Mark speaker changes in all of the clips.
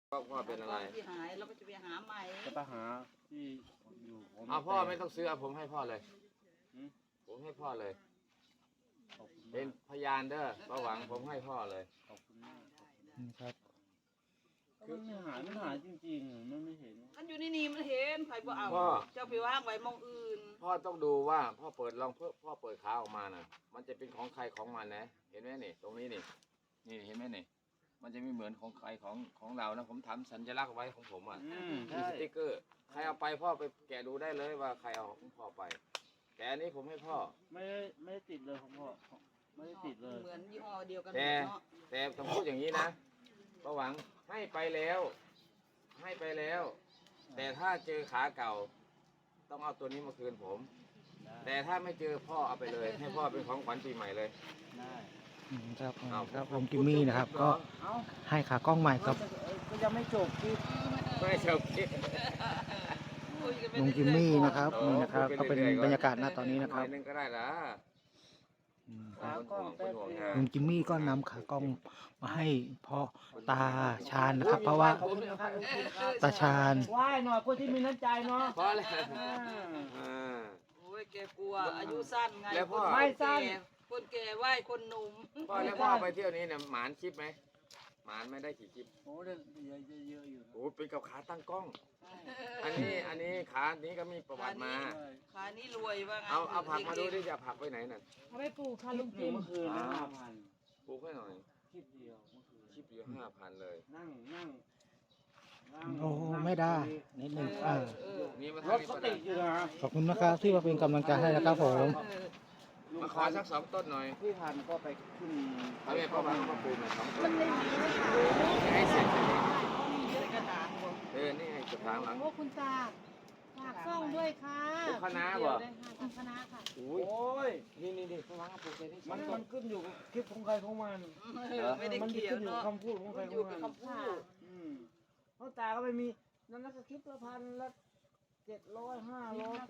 Speaker 1: พ่อเป็นอะไร
Speaker 2: ที่หายเราก็จะไปหาใหม่
Speaker 3: จะไปหาที่อยู่ผม
Speaker 1: เอาพ่อไม่ต้องซื้อเอาผมให้พ่อเลย
Speaker 3: หืม
Speaker 1: ผมให้พ่อเลย
Speaker 3: ขอบคุณ
Speaker 1: เป็
Speaker 3: มาน ก
Speaker 1: พยานเด้อประหวังผมให้พ่อเลย
Speaker 3: ขอบคุณมาก
Speaker 4: ครับ
Speaker 3: ก็มันหายจริงๆมันไม่เห็น
Speaker 2: มันอยู่ในนี่มันเห็นไผบ่เอา
Speaker 1: พ่อ
Speaker 2: เจ้าไปวางไว้มองอื่น
Speaker 1: พ่อต้องดูว่าพ่อเปิดลองพ่อเปิดขาออกมาน่ะ มันจะเป็นของใครของมันนะ เห็นไหมนี่ ตรงนี้นี่ นี่เห็นไหมนี่ มันจะไม่เหมือนของใครของเรานะ ผมทำสัญลักษณ์ไว้ของผมอ่ะ
Speaker 3: อืม
Speaker 1: มี
Speaker 3: ใช่
Speaker 1: สติ๊กเกอร์ ใครเอาไปพ่อไปแกะดูได้เลยว่าใครเอาของพ่อไป แต่อันนี้ผมให้พ่อ
Speaker 3: ไม่ได้ติดเลยของพ่อไม่ได้ติดเลย
Speaker 2: เหมือนยี่ห้อเดียวกันหม
Speaker 1: แต่
Speaker 2: ดเนาะ
Speaker 1: แต่ต้องพูดอย่างนี้นะประหวังให้ไปแล้ว ให้ไปแล้ว แต่ถ้าเจอขาเก่า ต้องเอาตัวนี้มาคืนผม แต่ถ้าไม่เจอพ่อเอาไปเลย ให้พ่อเป็นของขวัญปีใหม่เลย
Speaker 3: ได้
Speaker 4: ครับ
Speaker 1: เอา
Speaker 4: ครับลุงจิมมี่นะครับ ก็
Speaker 3: เอ้า
Speaker 4: ให้ขากล้องใหม่ครับ
Speaker 3: ก็ยังไม่จบที่
Speaker 1: ไม่เชอบคิด
Speaker 2: คุยกันไป
Speaker 4: ลุงจิมมี่นะครับนี่นะครับ ก็เป็นบรรยากาศณตอนนี้นะค
Speaker 1: ห
Speaker 4: รั
Speaker 1: อบ ยนึงก็ได้ละ
Speaker 3: ขากล้องแป๊บเดียว
Speaker 4: ลุงจิมมี่ก็นำขากล้องมาให้พ่อตาชาญนะครับ เพราะว่า
Speaker 3: ขอบคุณนะครับขอบคุณครับ
Speaker 4: ตาชาญ
Speaker 3: ไหว้หน่อยคนที่มีน้ำใจเนาะ
Speaker 1: พอแล้ว
Speaker 3: อ่า
Speaker 1: อ่า
Speaker 2: โอ้ยแกกลัวอายุสั้นไง
Speaker 1: แล้วพ่อ
Speaker 2: คน
Speaker 3: ไม่สั้น
Speaker 2: แก่คนแก่ไหว้คนหนุ่ม
Speaker 1: พ่อแล้วพ่อไปเที่ยวนี้เนี่ยหมานคลิปไหมหมานไม่ได้กี่คลิป
Speaker 3: โอ้เดี๋ยวเยอะอยู่นะ
Speaker 1: โอ้เป็นกับขาตั้งกล้อง อันนี้ขานี้ก็มีประวัติมา
Speaker 2: ขานี้รวยว่าไง
Speaker 1: เอาผักมาดูดิจะเอาผักไปไหนน่ะ
Speaker 5: เอาไปปลูกค่ะ
Speaker 3: คลิ
Speaker 5: ลุ
Speaker 3: ป
Speaker 5: ง
Speaker 3: หนึ่
Speaker 5: จิ
Speaker 3: ง
Speaker 5: ม
Speaker 3: เมื่อคืนนะ5,000
Speaker 1: ปลูกให้หน่อย
Speaker 3: คลิปเดียวเมื่อคืน
Speaker 1: คลิปอยู่5,000เลย
Speaker 3: นั่ง
Speaker 4: โอ้ไม่ได้นิดหนึ่งอ่า
Speaker 1: มีมา
Speaker 3: ร
Speaker 1: ทาง
Speaker 3: ถ
Speaker 1: นี้
Speaker 3: ก็
Speaker 1: ก็
Speaker 3: ติ
Speaker 1: ได้
Speaker 3: ดอยู่นะ
Speaker 4: ขอบคุณนะครับที่มาเป็นกำลังใจให้นะครับผม
Speaker 1: มาขอสัก2 ต้นหน่อย
Speaker 3: พี่พันธุ์ก็ไปขึ้น
Speaker 1: เอาแม่พ่อมาปลูกหน่อย2 ต้
Speaker 5: มัน นไม่มีนะคะ
Speaker 1: ให้เสร็จ
Speaker 2: กระถางบ่
Speaker 1: นี่ให้จุดทางหลัง
Speaker 5: โอ้คุณตาฝากซ่องด้วยค่ะ
Speaker 1: ปลูกคะน้าบ่
Speaker 5: ได้ค่ะทำคณะค่ะ
Speaker 1: อุ้
Speaker 3: โอ้
Speaker 1: ย
Speaker 3: ย
Speaker 1: นี่พ่อวางปลูกเลยนี่
Speaker 3: มันขึ้นอยู่กับคลิปของใครของมัน
Speaker 2: ไม่ได้
Speaker 3: มัน
Speaker 2: เขีย
Speaker 3: ขึ้
Speaker 2: วน
Speaker 3: อยู่กับ
Speaker 2: เนาะ
Speaker 3: คำพูดของใคร
Speaker 2: มัน
Speaker 3: ข
Speaker 2: อยู่
Speaker 3: อง
Speaker 2: กับ
Speaker 3: มัน
Speaker 2: คำพูด
Speaker 3: เพราะตาก็ไม่มีนั่นก็คลิปละพันละ700 500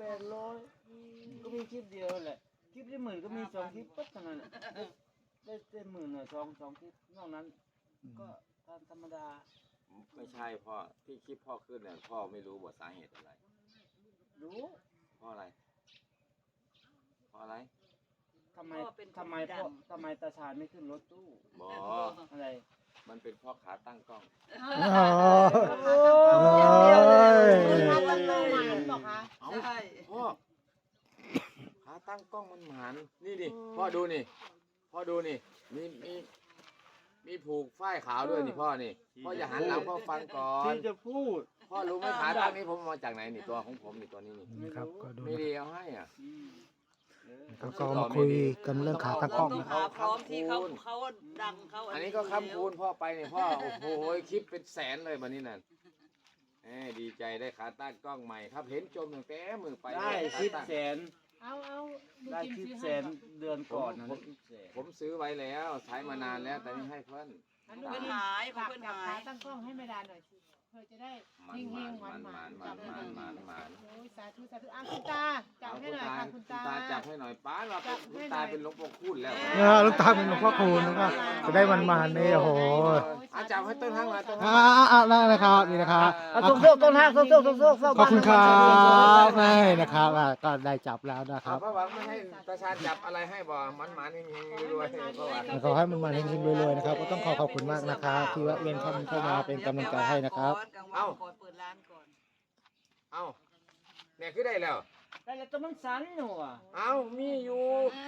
Speaker 3: 800ก็มีคลิปเดียวแหละคลิปที่10,000ก็มี2คลิปปุ๊บเท่านั้นได้10,000น่ะ2คลิปนอกนั้นก็ธรรมดา
Speaker 1: ไม่ใช่พ่อที่คลิปพ่อขึ้นเนี่ยพ่อไม่รู้ว่าสาเหตุอะไร
Speaker 3: รู้
Speaker 1: เพราะอะไรเพราะอะไร
Speaker 3: ทำไมทำไมตาชาญไม่ขึ้นรถตู้
Speaker 1: บอ
Speaker 3: อะไร
Speaker 1: มันเป็นพ่อขาตั้งกล้อง
Speaker 4: โอ้ย
Speaker 5: มาตั้งเป้าหมายบอกคะ
Speaker 2: ใช่
Speaker 1: พ่อขาตั้งกล้องมันหมานนี่ดิพ่อดูนี่พ่อดูนี่มีผูกฝ้ายขาวด้วยนี่พ่อนี่พ่ออย่าหันหลังพ่อฟังก่อน
Speaker 3: ที่จะพูด
Speaker 1: พ่อรู้ไหมขาตั้งนี้ผมเอามาจากไหนนี่ตัวของผมนี่ตัวนี้นี่
Speaker 4: นะครับก็ดู
Speaker 1: ไม่ได้เอาให้อ่ะ
Speaker 4: แล้วก็มาคุยกันเรื่องขาตั้งกล้อง
Speaker 2: ต้
Speaker 4: นะ
Speaker 2: หาพร้อมที่เขาดังเขา
Speaker 1: อันนี้ก็ค้ำคูณพ่อไปเนี่ยพ่อโอ้โหคลิปเป็นแสนเลยวันนี้น่ะดีใจได้ขาตั้งกล้องใหม่ครับเห็นจมตั้งแต่มือไป
Speaker 3: ได้คลิปแสน
Speaker 5: เอาลุง
Speaker 3: ได้
Speaker 5: จิม
Speaker 3: คลิป
Speaker 5: ซื้อ
Speaker 3: แส
Speaker 5: ให้
Speaker 3: นเดือนก่อนนะได้คลิปแสน
Speaker 1: ผมซื้อไว้แล้วใช้มานานแล้วแต่นี่ให้เพื่อน
Speaker 5: อัน
Speaker 2: เพื่อน
Speaker 5: นี้
Speaker 2: หายของ
Speaker 5: ฝาก
Speaker 2: เพื่อน
Speaker 5: จับ
Speaker 2: หา
Speaker 5: ขาย ตั้งกล้องให้แม่ดาหน่อยสิเพื่อจะได้
Speaker 1: มัน
Speaker 5: เฮง
Speaker 1: มัน
Speaker 5: ๆหวานๆ
Speaker 1: มั
Speaker 5: จั
Speaker 1: น
Speaker 5: บให้หน่อย
Speaker 1: มัน
Speaker 5: โอ้ยสาธุคุณตาจับให้หน่อยค่ะคุณตา
Speaker 1: จับให้หน่อยป้าเราคุณตาเป็นหลวงปู่คูณแล้ว
Speaker 4: ลูกตาเป็นหลวงพ่อคูณนะครับจะได้มันนี่โอ้โห
Speaker 1: จับให้ต้นทางมาต้น
Speaker 4: ได้นะครับนี่นะครับ
Speaker 3: โซกต้นห้างโซก
Speaker 4: ขอบคุณครับนี่นะครับก็ได้จับแล้วนะครับ
Speaker 1: พระหวังไม่ให้ตาชาญจับอะไรให้บ่มันหมานเฮงๆรวยๆพระหวัง
Speaker 4: ขอให้มันมาเฮงๆรวยๆนะครับก็ต้องขอบคุณมากนะครับที่แวะเวียนเข้ามาเป็นกำลังใจให้นะครับ
Speaker 2: กลางวันก่อนเปิดร้านก่อน
Speaker 1: เอ้าเนี่ยคือได้แล้ว
Speaker 3: ได้แล้วตัวมันสันอยู่อ่ะ
Speaker 1: เอ้ามีอยู่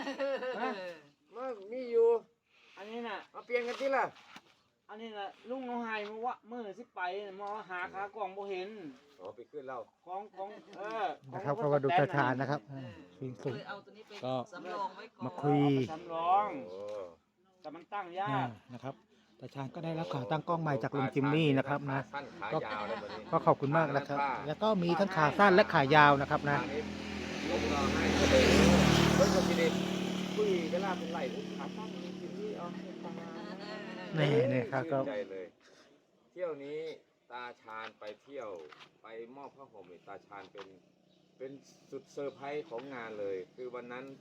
Speaker 1: มีอยู่
Speaker 3: อันนี้น่ะ
Speaker 1: มาเปลี่ยนกันที่ละ
Speaker 3: อันนี้น่ะลุงน้องไฮมือสิไปมาหาขากล่องบ่เห็น
Speaker 1: อ๋อไปขึ้นเรา
Speaker 3: ของ
Speaker 4: นะครับก็มาดูตาชาญนะครับสิ่งสุด
Speaker 2: เลยเอาตัวนี้ไป
Speaker 4: ก็
Speaker 2: สำรองไว้ก่อน
Speaker 4: มาคุย
Speaker 3: สำรอง
Speaker 1: โอ้
Speaker 3: แต่มันตั้งยาก
Speaker 4: นะครับตาชาญก็ได้รับขาตั้งกล้องใหม่จากลุงจิมมี่นะครับนะ
Speaker 1: สั้นขายาวเลยวันนี้
Speaker 4: ก็ขอบคุณมากนะครับ แล้วก็มีทั้งขาสั้นและขายาวนะครับนะ
Speaker 1: ทางนี้ลูกเราให้ก็เลยเฮ้ยคนกินเองคุยเวลาเป็นไรขาตั้งกินนี่เอาให้ตา
Speaker 4: นี่ครับก็
Speaker 1: ชื่นใจเลย เที่ยวนี้ตาชาญไปเที่ยวไปมอบผ้าห่มให้ตาชาญเป็นสุดเซอร์ไพรส์ของงานเลย คือวันนั้น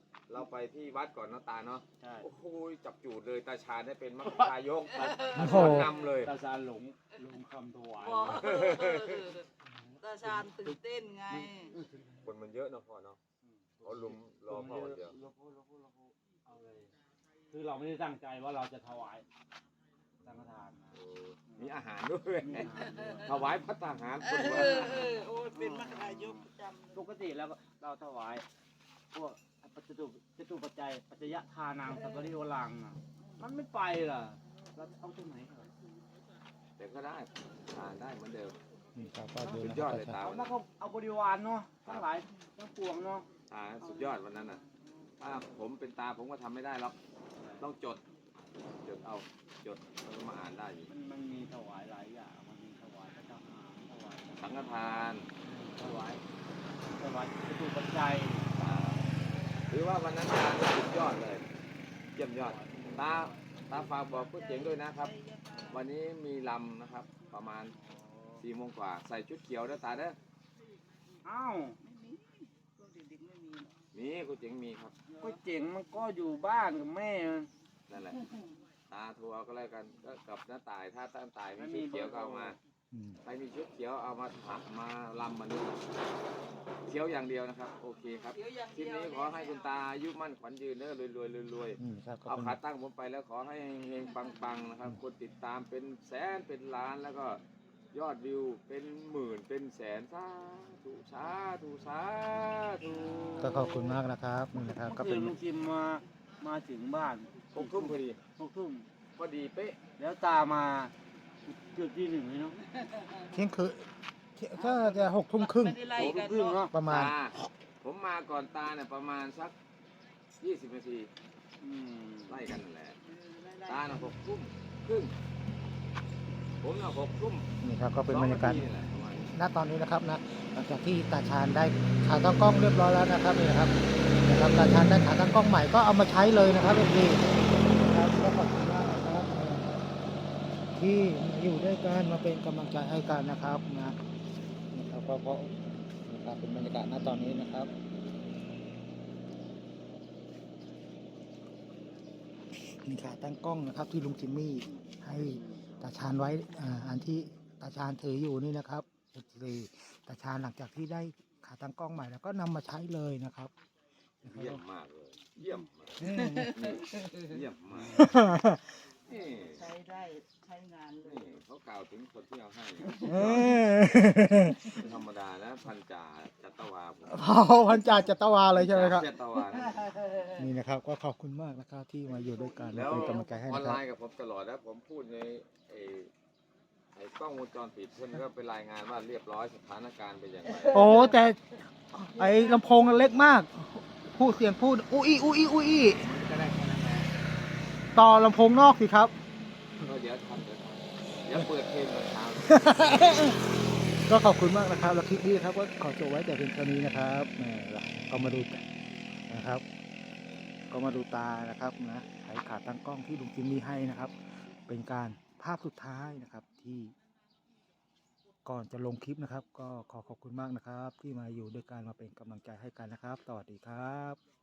Speaker 1: เราไปที่วัดก่อนเนาะตาเนาะ
Speaker 3: ใช่
Speaker 1: โอ้โหจับจูดเลยตาชาญได้เป็นมรรคายก
Speaker 4: โอ้โห
Speaker 1: นำเลย
Speaker 3: ตาซาหลงคำถวาย
Speaker 2: บอกตาชาญตื่นเต้นไง
Speaker 1: คนมันเยอะเนาะพ่อเนาะเขาลุมรอพ่อคนเดียว
Speaker 3: เราพูดเอาเลยคือเราไม่ได้ตั้งใจว่าเราจะถวายสังฆทานนะ
Speaker 1: โอ้มีอาหารด้วยถวายพระทหารคน
Speaker 2: เอ
Speaker 1: ว่า
Speaker 2: โอ้ยเป็นมหายกประจำ
Speaker 3: ปกติแล้วเราถวายพวกจตุปัจจัยปัจจยทานังสัพพะริโอลังน่ะมันไม่ไปล่ะเราเอาตรงไหนเหรอ
Speaker 1: แต่ก็ได้ทานได้เหมือนเดิม
Speaker 4: นี่ครับก็ดู
Speaker 1: สุด
Speaker 4: นะ
Speaker 1: ย
Speaker 4: ค
Speaker 1: อ
Speaker 4: รั
Speaker 1: ด
Speaker 4: บ
Speaker 1: เลยตา
Speaker 3: เอา
Speaker 1: วัน
Speaker 3: แล้
Speaker 1: นั้
Speaker 3: วน ก็เอาบริวารเนาะทั้งหลายทั้งปวงเนาะ
Speaker 1: ตาสุดยอดวันนั้นน่ะถ้าผมเป็นตาผมก็ทำไม่ได้หรอกต้องจดเอาจดแล้วก็มาอ่านได้อยู่
Speaker 3: มันมีถวายหลายอย่างมันมีถวายพระทหารถวาย
Speaker 1: สังฆทาน
Speaker 3: ถวายจตุปัจจัย
Speaker 1: หรือว่าวันนั้นตาสุดยอดเลยเยี่ยมยอดตาฝากบอกผู้เจ๋งด้วยนะครับ วันนี้มีลำนะครับ ประมาณ4 โมงกว่าใส่ชุดเขียวนะตาเด้อ
Speaker 3: อ้าว
Speaker 2: พวกเด็กๆไม่มีหรอก
Speaker 1: มีผู้เจ๋งมีครับ
Speaker 3: ก็เจ๋งมันก็อยู่บ้านกับแม่มัน
Speaker 1: นั่นแหละตาทัวร์ก็แล้วกันก็กับน้าตายถ้าน้าตายมีชุดเขียวก็เอามา
Speaker 4: อืม
Speaker 1: ใครมีชุดเขียวเอามาถักมาลำมาด้วยเขียวอย่างเดียวนะครับ โอเคครับ
Speaker 2: เดี๋ยวอย่าง
Speaker 1: คลิป
Speaker 2: เดียว
Speaker 1: นี้ขอให้คุณตาอายุมั่นขวัญยืนเด้อรวย
Speaker 4: นี่ครับก็
Speaker 1: เอา
Speaker 4: เป็น
Speaker 1: ขาตั้งผมไปแล้วขอให้เฮงๆปังๆนะครับคนติดตามเป็นแสนเป็นล้านแล้วก็ยอดวิวเป็นหมื่นเป็นแสนสาธุสาธุสาธุ
Speaker 4: ก็ขอบคุณมากนะครับนี่นะครับก็
Speaker 3: เมื่อ
Speaker 4: เป็
Speaker 3: คื
Speaker 4: น
Speaker 3: นลุงจิมมาถึงบ้าน
Speaker 1: 6 ทุ่มพอดี
Speaker 3: 6 ทุ่ม
Speaker 1: พอดีเป๊ะ
Speaker 3: แล้วตามาเกือบที่ 1เลยเนาะ
Speaker 4: เที่ยงคืนถ้าจะ6 ทุ่มครึ่ง
Speaker 2: ไม่ได้ไล่
Speaker 3: 6
Speaker 2: กัน
Speaker 3: ครึ่ง
Speaker 2: เนาะ
Speaker 3: เนาะ
Speaker 4: ประมาณ
Speaker 1: ตาผมมาก่อนตาเนี่ยประมาณสัก20 นาที
Speaker 3: อืม
Speaker 1: ไล่กันนั่นแหละ
Speaker 2: ไล่
Speaker 1: ตาน่ะ6 ทุ่มครึ่งผมน่ะ6 ทุ่ม
Speaker 4: นี่ครับก็เป็นบรรยากาศ
Speaker 1: 2 นี่แหละประมาณนี้
Speaker 4: ณตอนนี้นะครับนะหลังจากที่ตาชาญได้ขาตั้งกล้องเรียบร้อยแล้วนะครับนี่นะครับตาชาญได้ขาตั้งกล้องใหม่ก็เอามาใช้เลยนะครับพี่ครับก็ขอบคุณมากนะครับที่มาอยู่ด้วยกันมาเป็นกำลังใจให้กันนะครับนะครับก็นะครับเป็นบรรยากาศณตอนนี้นะครับนี่ขาตั้งกล้องนะครับที่ลุงจิมมี่ให้ตาชาญไว้อันที่ตาชาญถืออยู่นี่นะครับตาชาญหลังจากที่ได้ขาตั้งกล้องใหม่แล้วก็นำมาใช้เลยนะครับ
Speaker 1: เยี่ยมมากเลยเยี่ยมมาก
Speaker 4: อืม
Speaker 1: เยี่ยมมากนี่
Speaker 2: ใช้ได้ใช้งานเลย
Speaker 1: นี่เขากล่าวถึงคนที่เอาให้
Speaker 4: เออ
Speaker 1: ไม่ธรรมดานะพันจ่าจัตวาผม
Speaker 4: เผาพันจ่าจัตวาเลยใช่ไหมครับ
Speaker 1: จัตวานะ
Speaker 4: นี่นะครับก็ขอบคุณมากนะครับที่มาอยู่ด้วยกัน
Speaker 1: แล้
Speaker 4: และ
Speaker 1: ว
Speaker 4: เป็นกำลังใจให้
Speaker 1: ออน
Speaker 4: นะค
Speaker 1: ไล
Speaker 4: รับ
Speaker 1: น์กับผมตลอดนะผมพูดในไอ้กล้องวงจรปิดเพื่อนก็ไปรายงานว่าเรียบร้อยสถานการณ์เป็นอย่างไร
Speaker 4: โอ้แต่ไอ้ลำโพงเล็กมาก พูดเสียงพูดอุ้ยอุ้ยอุ้ย
Speaker 1: ก็ได้แค่นั้นแหละ
Speaker 4: ต่อลำโพงนอกสิครับ
Speaker 1: ก็เดี๋ยวทำเดี๋ยวเปิดเพลงตอนเช้า
Speaker 4: ก็ขอบคุณมากนะครับแล้วคลิปนี้นะครับก็ขอจบไว้แต่เพียงเท่านี้นะครับแหมก็มาดูกันนะครับ ก็มาดูตานะครับนะใช้ขาตั้งกล้องที่ลุงจิมมี่ให้นะครับ เป็นการภาพสุดท้ายนะครับที่ก่อนจะลงคลิปนะครับ ก็ขอขอบคุณมากนะครับ ที่มาอยู่ด้วยกันมาเป็นกำลังใจให้กันนะครับ สวัสดีครับ